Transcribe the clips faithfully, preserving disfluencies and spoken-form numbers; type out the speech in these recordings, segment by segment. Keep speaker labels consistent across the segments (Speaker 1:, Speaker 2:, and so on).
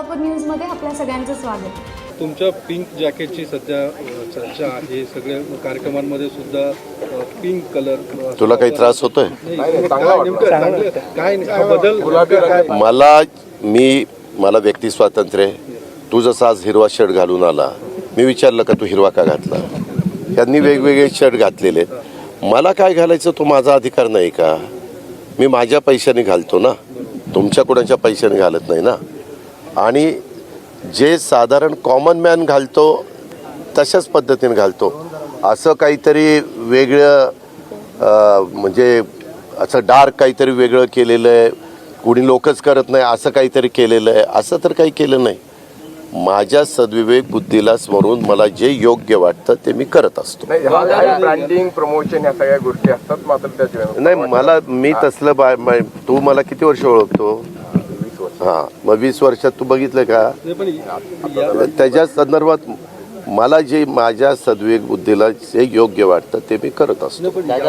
Speaker 1: सोलापूर न्यूजमध्ये आपल्या सगळ्यांचं स्वागत।
Speaker 2: तुमच्या पिंक जॅकेटची सध्या चर्चा आहे, सगळ्या कार्यक्रमांमध्ये सुद्धा पिंक कलर।
Speaker 3: तुला काही त्रास होतोय?
Speaker 2: काय बदल?
Speaker 3: मला मी मला व्यक्ती स्वातंत्र्य आहे। तू जसा आज हिरवा शर्ट घालून आला, मी विचारलं का तू हिरवा का घातला? त्यांनी वेगवेगळे शर्ट घातलेले, मला काय घालायचं तो माझा अधिकार नाही का? मी माझ्या पैशाने घालतो ना, तुमच्या कोणाच्या पैशाने घालत नाही ना। आणि जे साधारण कॉमन मॅन घालतो तशाच पद्धतीने घालतो। असं काहीतरी वेगळं म्हणजे असं डार्क काहीतरी वेगळं केलेलं आहे, कुणी लोकच करत नाही असं काहीतरी केलेलं आहे, असं तर काही केलं नाही। माझ्या सद्विवेक बुद्धीला स्मरून मला जे योग्य वाटतं ते मी करत असतो।
Speaker 4: ब्रँडिंग प्रमोशन या सगळ्या गोष्टी असतात, मात्र त्याच्या
Speaker 3: नाही मला मी तसलं बा तू मला किती वर्ष ओळखतो? हां, मग वीस वर्षात तू बघितलं का? त्याच्या संदर्भात मला जे माझ्या सद्विवेक बुद्धीला जे योग्य वाटतं ते मी करत असतो।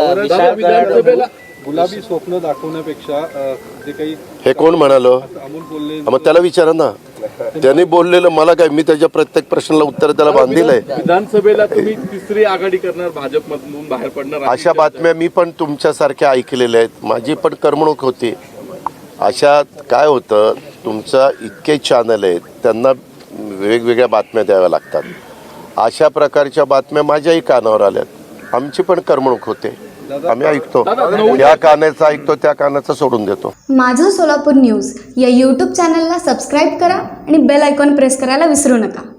Speaker 2: गुलाबी स्वप्न दाखवण्यापेक्षा जे काही
Speaker 3: हे कोण म्हणालो?
Speaker 2: अमोल बोलले,
Speaker 3: मग त्याला विचारा ना, त्यांनी बोललेलं मला काय, मी त्याच्या प्रत्येक प्रश्नाला उत्तर त्याला बांधलेलं आहे।
Speaker 5: विधानसभेला तुम्ही तिसरी आघाडी करणार, भाजपमधून बाहेर पडणार,
Speaker 3: अशा बातम्या मी पण तुमच्यासारख्या ऐकलेल्या आहेत, माझी पण करमणूक होती। अशात काय होतं, तुमचं इतके चॅनल आहेत, त्यांना वेगवेगळ्या बातम्या द्याव्या लागतात। अशा प्रकारच्या बातम्या माझ्याही कानावर आल्यात, आमची पण करमणूक होते, आम्ही ऐकतो, या कानाचं ऐकतो त्या कानाचं सोडून देतो।
Speaker 1: माझं सोलापूर न्यूज या यूट्यूब चॅनलला सबस्क्राईब करा आणि बेल आयकॉन प्रेस करायला विसरू नका।